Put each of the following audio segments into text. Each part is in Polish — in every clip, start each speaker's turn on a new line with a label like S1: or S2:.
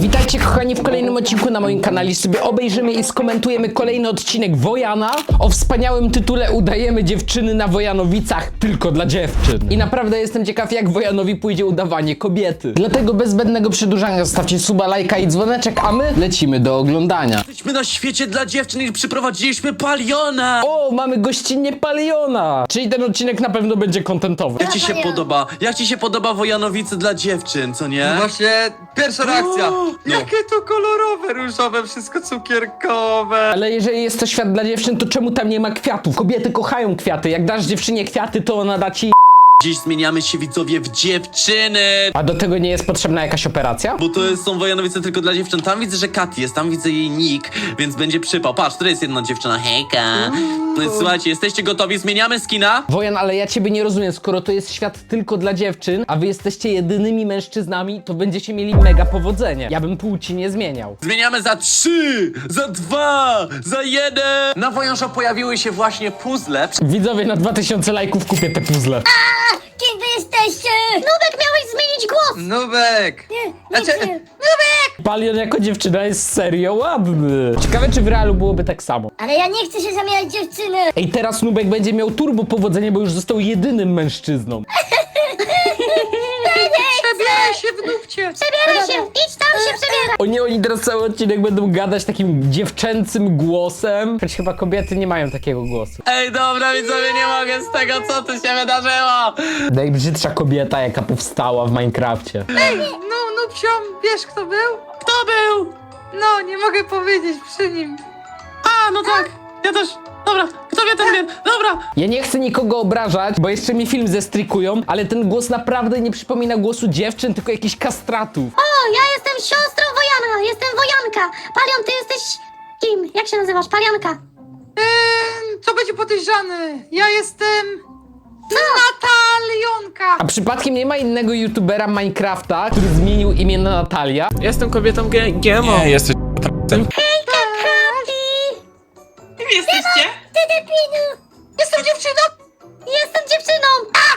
S1: Witajcie kochani w kolejnym odcinku na moim kanale. Sobie obejrzymy i skomentujemy kolejny odcinek Wojana o wspaniałym tytule Udajemy dziewczyny na Wojanowicach tylko dla dziewczyn. I naprawdę jestem ciekaw, jak Wojanowi pójdzie udawanie kobiety. Dlatego bez zbędnego przedłużania zostawcie suba, lajka i dzwoneczek, a my lecimy do oglądania.
S2: Jesteśmy na świecie dla dziewczyn i przyprowadziliśmy Paliona!
S1: O, mamy gościnnie Paliona! Czyli ten odcinek na pewno będzie kontentowy.
S2: Jak ci się podoba? Jak ci się podoba Wojanowice dla dziewczyn, co nie?
S3: No właśnie, pierwsza reakcja.
S2: no.
S3: Jakie to kolorowe, różowe, wszystko cukierkowe.
S1: Ale jeżeli jest to świat dla dziewczyn, to czemu tam nie ma kwiatów? Kobiety kochają kwiaty. Jak dasz dziewczynie kwiaty, to ona da ci...
S2: Dziś zmieniamy się, widzowie, w dziewczyny!
S1: A do tego nie jest potrzebna jakaś operacja?
S2: Bo są Wojanowice tylko dla dziewczyn. Tam widzę, że Katy jest, tam widzę jej nick, więc będzie przypał. Patrz, tutaj jest jedna dziewczyna, hejka. No i słuchajcie, jesteście gotowi? Zmieniamy skina?
S1: Wojan, ale ja ciebie nie rozumiem, skoro to jest świat tylko dla dziewczyn, a wy jesteście jedynymi mężczyznami, to będziecie mieli mega powodzenie. Ja bym płci nie zmieniał.
S2: Zmieniamy za 3, za 2, za 1. Na Wojansza pojawiły się właśnie puzzle.
S1: Widzowie, na 2000 lajków kupię te puzzle.
S4: Kim wy jesteście? Nubek, miałeś zmienić głos!
S3: Nubek! Znaczy,
S4: Nubek!
S1: Palion jako dziewczyna jest serio ładny. Ciekawe, czy w realu byłoby tak samo.
S4: Ale ja nie chcę się zamieniać dziewczyny!
S1: Ej, teraz Nubek będzie miał turbo powodzenie, bo już został jedynym mężczyzną.
S3: przebieraj się w nubcie.
S4: Przebieraj się! Idź tam się przebieraj!
S1: Oni teraz cały odcinek będą gadać takim dziewczęcym głosem. Choć chyba kobiety nie mają takiego głosu.
S2: Ej, dobra, widzowie, nie mogę z tego, co tu się wydarzyło.
S1: Najbrzydsza kobieta, jaka powstała w Minecrafcie.
S3: No, nubciom, wiesz kto był?
S2: Kto był?
S3: No, nie mogę powiedzieć przy nim.
S2: A, no tak, ja też. Dobra, kto wie, ten wie. Dobra.
S1: Ja nie chcę nikogo obrażać, bo jeszcze mi film zestrykują, ale ten głos naprawdę nie przypomina głosu dziewczyn, tylko jakichś kastratów.
S4: O, ja jestem siostrą Wojana! Jestem Wojanka! Palion, ty jesteś... Kim? Jak się nazywasz? Palianka!
S3: To będzie podejrzany. Ja jestem... Natalionka.
S1: A przypadkiem nie ma innego youtubera Minecrafta, który zmienił imię na Natalia?
S5: Jestem kobietą GMO.
S6: Nie, jesteś
S4: Hejka, Kapi!
S5: Kim jesteście?
S4: Ty debilu!
S3: Jestem dziewczyną.
S4: Jestem dziewczyną!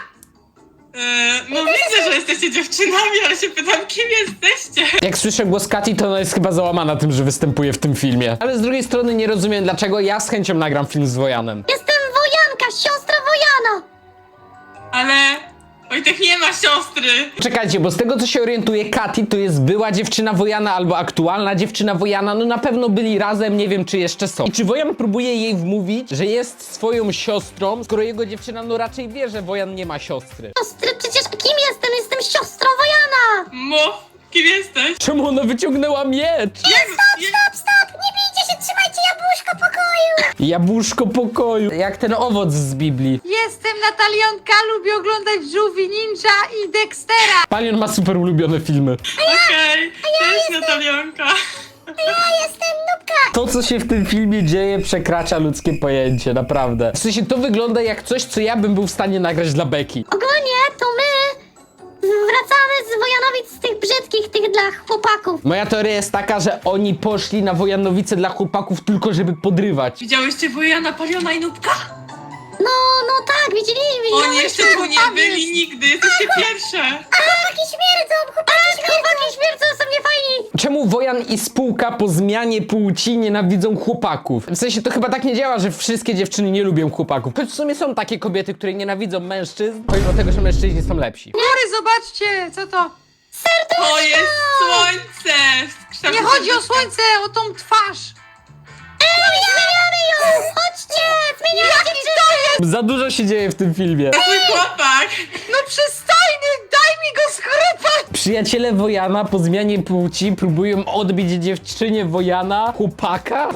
S5: No widzę, że jesteście dziewczynami, ale się pytam, kim jesteście?
S1: Jak słyszę głos Kati, to ona jest chyba załamana tym, że występuje w tym filmie. Ale z drugiej strony nie rozumiem, dlaczego ja z chęcią nagram film z Wojanem.
S4: Jestem Wojanka, siostra Wojana!
S5: Ale Wojtek nie ma siostry.
S1: Czekajcie, bo z tego co się orientuje, Kati to jest była dziewczyna Wojana albo aktualna dziewczyna Wojana. No na pewno byli razem, nie wiem czy jeszcze są. I czy Wojan próbuje jej wmówić, że jest swoją siostrą, skoro jego dziewczyna no raczej wie, że Wojan nie ma siostry?
S4: Siostry, przecież kim jestem? Jestem siostrą Wojana!
S5: Mów, kim jesteś?
S1: Czemu ona wyciągnęła miecz?
S4: Stop! Nie bijcie się, trzymajcie jabłuszko pokoju!
S1: Jabłuszko pokoju. Jak ten owoc z Biblii.
S3: Jestem Natalionka, lubię oglądać Żółwi Ninja i Dextera.
S1: Palion ma super ulubione filmy.
S5: Okej, cześć Natalionka.
S4: Ja jestem Nubka!
S1: To, co się w tym filmie dzieje, przekracza ludzkie pojęcie, naprawdę. W sensie, to wygląda jak coś, co ja bym był w stanie nagrać dla Beki.
S4: Ogólnie to my wracamy z Wojanowic z tych brzydkich, tych dla chłopaków.
S1: Moja teoria jest taka, że oni poszli na Wojanowice dla chłopaków tylko, żeby podrywać.
S5: Widziałyście Wojana, Paliona i Nubka?
S4: No tak, widzieliśmy.
S5: Oni jeszcze tu nie byli nigdy, jesteście pierwsze.
S4: Chłopaki śmierdzą, chłopaki śmierdzą, są niefajni.
S1: Czemu Wojan i spółka po zmianie płci nienawidzą chłopaków? W sensie, to chyba tak nie działa, że wszystkie dziewczyny nie lubią chłopaków. Choć w sumie są takie kobiety, które nienawidzą mężczyzn, pomimo tego, że mężczyźni są lepsi.
S3: Góry, zobaczcie, co to?
S5: To jest słońce.
S3: Nie chodzi o słońce, o tą twarz.
S4: Zmieniamy ją! Chodźcie, zmieniamy dziewczynę.
S1: Za dużo się dzieje w tym filmie.
S5: Mój chłopak.
S3: No przystojny, daj mi go schrupać.
S1: Przyjaciele Wojana po zmianie płci próbują odbić dziewczynie Wojana chłopaka?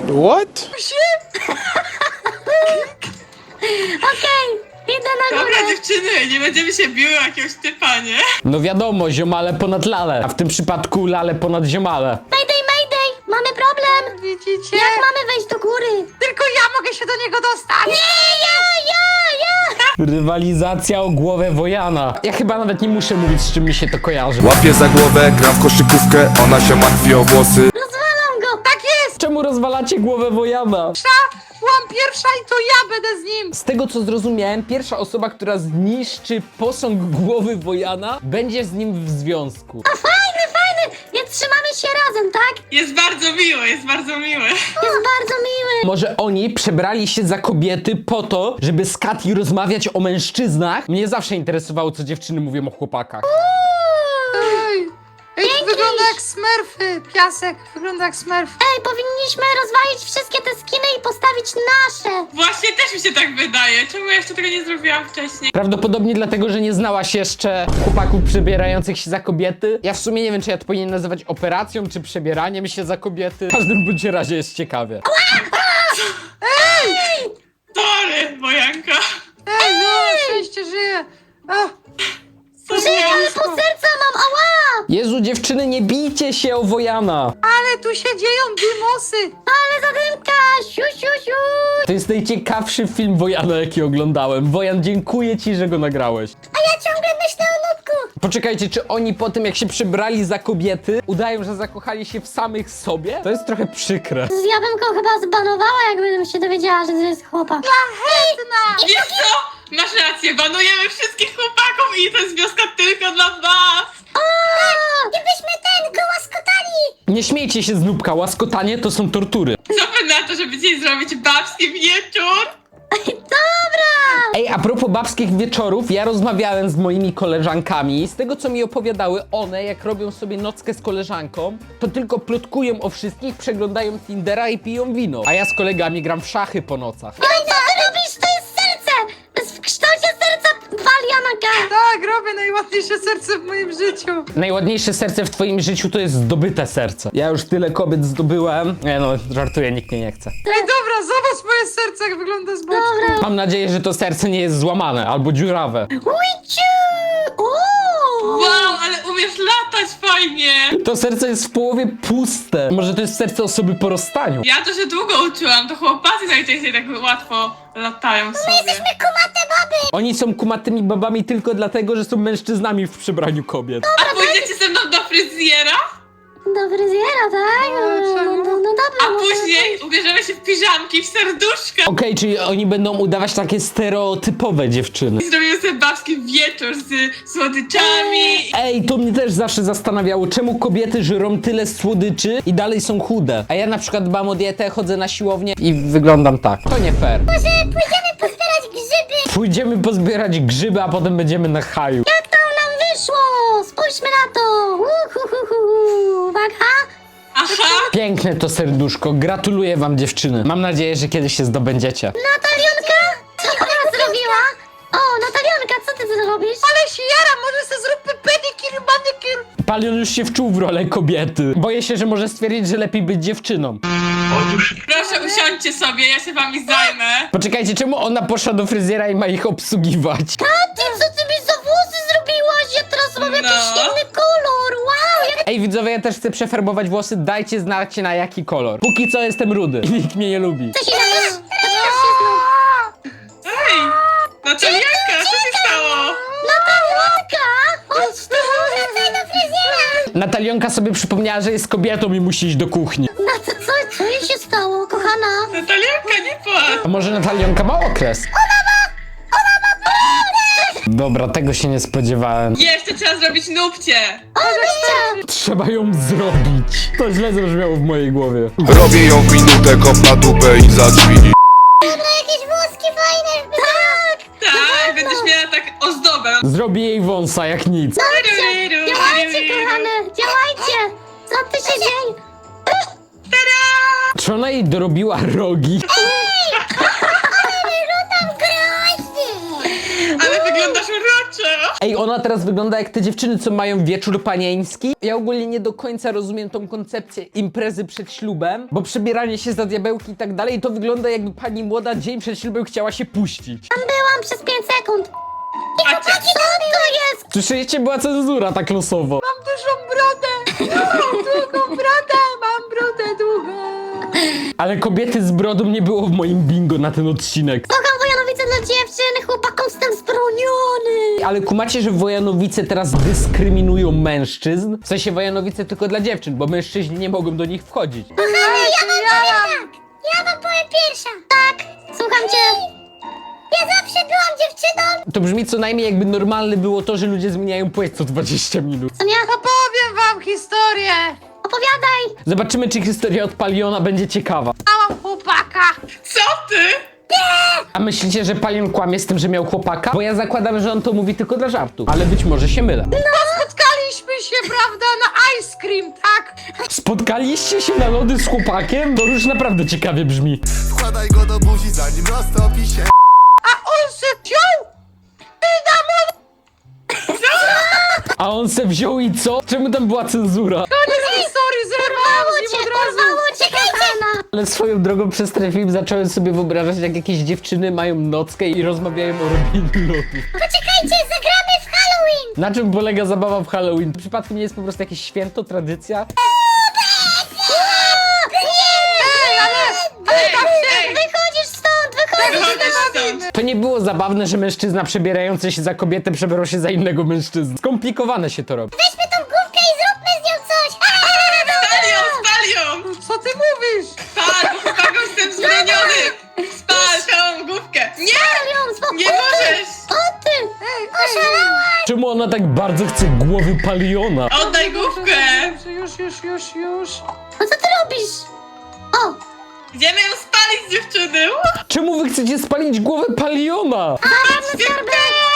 S4: Okej, idę na
S5: Dobra
S4: górę.
S5: dziewczyny, nie będziemy się biły o jakiegoś typa, nie?
S1: No wiadomo, ziomale ponad lale, a w tym przypadku lale ponad ziomale.
S4: Mayday, mamy problem.
S3: Widzicie?
S4: Jak mamy wejść do góry?
S3: Tylko ja mogę się do niego dostać.
S4: Nie, ja!
S1: Rywalizacja o głowę Wojana. Ja chyba nawet nie muszę mówić, z czym mi się to kojarzy.
S6: Łapię za głowę, gram w koszykówkę, ona się martwi o włosy.
S4: Rozwalam go.
S3: Tak jest.
S1: Czemu rozwala macie głowę Wojana.
S3: Byłam pierwsza i to ja będę z nim.
S1: Z tego co zrozumiałem, pierwsza osoba, która zniszczy posąg głowy Wojana, będzie z nim w związku.
S4: A fajny, więc trzymamy się razem, tak?
S5: Jest bardzo miły, jest bardzo miły.
S4: Jest bardzo miły.
S1: Może oni przebrali się za kobiety po to, żeby z Kati rozmawiać o mężczyznach? Mnie zawsze interesowało, co dziewczyny mówią o chłopakach.
S3: Ej, to wygląda jak smurfy. Piasek wygląda jak smurf.
S4: Ej, powinniśmy rozwalić wszystkie te skiny i postawić nasze.
S5: Właśnie też mi się tak wydaje. Czemu ja jeszcze tego nie zrobiłam wcześniej?
S1: Prawdopodobnie dlatego, że nie znałaś jeszcze chłopaków przebierających się za kobiety. Ja w sumie nie wiem, czy ja to powinien nazywać operacją, czy przebieraniem się za kobiety. W każdym bądź razie jest ciekawie.
S5: Sorry, Wojanka.
S3: Ej, no, szczęście żyje.
S4: Żyję, ale pół serca mam, ała!
S1: Jezu, dziewczyny, nie bijcie się o Wojana.
S3: Ale tu się dzieją dymosy.
S4: Ale zadymka, siu, siu, siu.
S1: To jest najciekawszy film Wojana, jaki oglądałem. Wojan, dziękuję ci, że go nagrałeś.
S4: A ja ciągle myślę o nutku.
S1: Poczekajcie, czy oni po tym, jak się przebrali za kobiety, udają, że zakochali się w samych sobie? To jest trochę przykre.
S4: Ja bym go chyba zbanowała, jakbym się dowiedziała, że to jest chłopak.
S3: Szlachetna.
S5: Wiesz co? Masz rację, banujemy wszystkich chłopaków i to jest wioska tylko dla was.
S4: O! Gdybyśmy go łaskotali.
S1: Nie śmiejcie się z nubka, łaskotanie to są tortury.
S5: Co wy na to, żeby dzisiaj zrobić babski wieczór?
S4: Dobra!
S1: Ej, a propos babskich wieczorów, ja rozmawiałem z moimi koleżankami. Z tego, co mi opowiadały one, jak robią sobie nockę z koleżanką, to tylko plotkują o wszystkich, przeglądają Tindera i piją wino. A ja z kolegami gram w szachy po nocach.
S4: No i co ty robisz? To jest serce! To jest w kształcie serca Walianaka.
S3: Tak, robię najładniejsze serce w moim życiu.
S1: Najładniejsze serce w twoim życiu to jest zdobyte serce. Ja już tyle kobiet zdobyłem. Nie no, żartuję, nikt mnie nie chce.
S3: Ej, dobra, zobacz moje serce, jak wygląda z boczku.
S4: Dobra.
S1: Mam nadzieję, że to serce nie jest złamane albo dziurawe.
S4: Ujciu!
S5: Wow, ale umiesz latać fajnie.
S1: To serce jest w połowie puste. Może to jest serce osoby po rozstaniu.
S5: Ja to się długo uczyłam, to chłopacy najczęściej tak łatwo latają sobie.
S4: Jesteśmy kumate baby!
S1: Oni są kumatymi babami tylko dlatego, że są mężczyznami w przebraniu kobiet.
S5: A pójdziecie ze mną do fryzjera?
S4: Do fryzjera, tak?
S3: czemu?
S4: No dobra.
S5: A
S4: no to-
S5: później ubierzemy się w piżamki, w serduszka.
S1: Okej, czyli oni będą udawać takie stereotypowe dziewczyny.
S5: I zrobimy sobie babski wieczór z słodyczami.
S1: Ej, to mnie też zawsze zastanawiało, czemu kobiety żrą tyle słodyczy i dalej są chude. A ja na przykład dbam o dietę, chodzę na siłownię i wyglądam tak. To nie fair.
S4: Może pójdziemy pozbierać grzyby?
S1: Pójdziemy pozbierać grzyby, a potem będziemy na haju.
S4: Jak to nam wyszło? Spójrzmy na to! Uwaga!
S5: Aha.
S1: Piękne to serduszko, gratuluję wam dziewczyny. Mam nadzieję, że kiedyś się zdobędziecie.
S4: Natalionka? Co ona zrobiła? O, Natalionka, co ty zrobisz?
S3: Ale się jara, może se zróbmy pedikir, manikir.
S1: Palion już się wczuł w rolę kobiety. Boję się, że może stwierdzić, że lepiej być dziewczyną.
S5: Proszę usiądźcie sobie, ja się wami zajmę.
S1: Poczekajcie, czemu ona poszła do fryzjera i ma ich obsługiwać?
S4: Ty, co ty mi za włosy zrobiłaś? Ja teraz mam jakiś
S5: No.
S4: inny kolor! Wow, jak...
S1: Ej widzowie, ja też chcę przefarbować włosy, dajcie znać na jaki kolor. Póki co jestem rudy i nikt mnie nie lubi.
S4: Co się nazywa?
S5: Ej, Natalianka, co się stało?
S4: Natalionka! Chodź tu, wracaj do fryzjera!
S1: Natalionka sobie przypomniała, że jest kobietą i musi iść do kuchni.
S4: Co jej się stało, kochana?
S5: Natalianka, nie płacz.
S1: A może Natalionka ma okres? Dobra, tego się nie spodziewałem.
S5: Jeszcze trzeba zrobić nupcie.
S1: Trzeba ją zrobić. To źle zabrzmiało w mojej głowie.
S6: Robię ją w minutę, kop na dupę i za drzwi.
S4: Dobra, jakieś włoski fajne! Tak!
S5: Tak, będziesz miała tak ozdobę.
S1: Zrobię jej wąsa jak nic.
S4: Działajcie, kochane! Działajcie! Co ty się dzieje?
S1: Czy ona jej dorobiła rogi?
S5: Ale wyglądasz uroczo.
S1: Ej, ona teraz wygląda jak te dziewczyny, co mają wieczór panieński. Ja ogólnie nie do końca rozumiem tą koncepcję imprezy przed ślubem, bo przebieranie się za diabełki i tak dalej, to wygląda jakby pani młoda dzień przed ślubem chciała się puścić.
S4: Tam byłam przez 5 sekund.
S5: Patrzcie,
S4: Co to jest?
S1: Słyszeliście? Była cenzura tak losowo.
S3: Mam dużą brodę. Mam długą brodę, mam brodę długą.
S1: Ale kobiety z brodą nie było w moim bingo na ten odcinek.
S4: Kocham Wojanowice dla dziewczyn, chłopakom jestem zbroniony.
S1: Ale kumacie, że Wojanowice teraz dyskryminują mężczyzn? W sensie Wojanowice tylko dla dziewczyn, bo mężczyźni nie mogą do nich wchodzić.
S3: Ja mam
S4: ja wam powiem pierwsza. Tak, słucham cię. Ja zawsze byłam dziewczyną.
S1: To brzmi co najmniej jakby normalne było to, że ludzie zmieniają płeć co 20 minut.
S4: Co nie?
S3: Opowiem wam historię.
S4: Opowiadaj.
S1: Zobaczymy, czy historia od Paliona będzie ciekawa.
S3: Małam chłopaka.
S5: Co ty?
S1: A myślicie, że Palion kłamie z tym, że miał chłopaka? Bo ja zakładam, że on to mówi tylko dla żartu. Ale być może się mylę.
S3: Spotkaliśmy się, prawda, na ice cream, tak?
S1: Spotkaliście się na lody z chłopakiem? To już naprawdę ciekawie brzmi.
S7: Wkładaj go do buzi, zanim roztopi się.
S3: A on się wziął i na
S1: A on se wziął i co? Czemu tam była cenzura?
S3: koniec historii zerwałam z nim od razu.
S4: Porwało cię, kochana.
S1: Ale swoją drogą przez ten film zacząłem sobie wyobrażać, jak jakieś dziewczyny mają nockę i rozmawiają o robieniu lodów.
S4: Poczekajcie, zagramy w Halloween.
S1: Na czym polega zabawa w Halloween? Przypadkiem nie jest po prostu jakieś święto, tradycja?
S3: Ej, ale tak się...
S4: Wychodzisz stąd, wychodzisz
S5: Wychodzisz
S4: stąd.
S5: stąd.
S1: To nie było zabawne, że mężczyzna przebierający się za kobietę przebrał się za innego mężczyznę. Skomplikowane się to robi.
S4: Weźmy tą główkę i zróbmy z nią coś.
S5: Spal ją!
S3: Co ty mówisz?
S5: Spal, bo chłopakom jestem zmieniony! Spal tą główkę! Nie!
S4: Palion, spokój.
S5: Nie możesz!
S4: O ty! Oszalałaś!
S1: Czemu ona tak bardzo chce głowy Paliona?
S5: Oddaj główkę!
S3: Już.
S4: No co ty robisz? O!
S5: Idziemy ją spalić, dziewczyny!
S1: Czemu wy chcecie spalić głowę Paliona?
S4: Skarbę!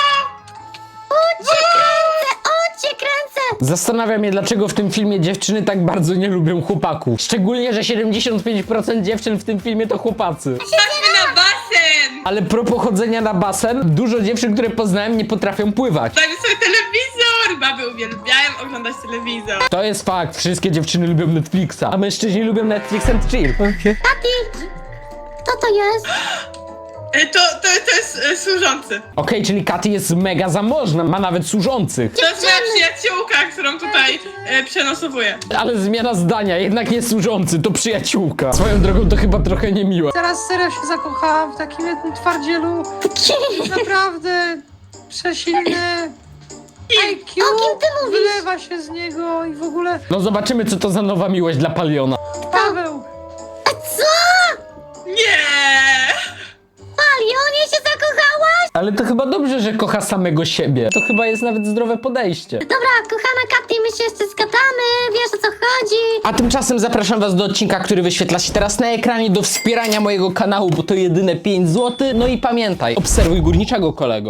S4: O cię kręcę!
S1: Zastanawia mnie, dlaczego w tym filmie dziewczyny tak bardzo nie lubią chłopaków. Szczególnie, że 75% dziewczyn w tym filmie to chłopacy.
S5: Chodźmy na basen!
S1: Ale propos chodzenia na basen, dużo dziewczyn, które poznałem, nie potrafią pływać.
S5: Dajmy sobie telewizor! Baby uwielbiają oglądać telewizor.
S1: To jest fakt, wszystkie dziewczyny lubią Netflixa, a mężczyźni lubią Netflix and chill.
S4: Tati! Kto to jest?
S5: To jest służący.
S1: Okej, czyli Katy jest mega zamożna, ma nawet służących.
S5: To jest moja przyjaciółka, którą tutaj przenosowuję.
S1: Ale zmiana zdania, jednak nie służący, to przyjaciółka. Swoją drogą to chyba trochę niemiłe.
S3: Teraz serio się zakochałam w takim jednym twardzielu. Naprawdę przesilny. IQ
S4: O kim ty mówisz?
S3: wylewa się z niego i w ogóle...
S1: No zobaczymy, co to za nowa miłość dla Paliona.
S3: Paweł!
S4: Co?
S5: Nie!
S4: Palionie się zakochałaś?
S1: Ale to chyba dobrze, że kocha samego siebie. To chyba jest nawet zdrowe podejście.
S4: Dobra, kochana Katy, my się jeszcze zgadamy, wiesz o co chodzi.
S1: A tymczasem zapraszam was do odcinka, który wyświetla się teraz na ekranie, do wspierania mojego kanału, bo to jedyne 5 zł. No i pamiętaj, obserwuj górniczego, kolego.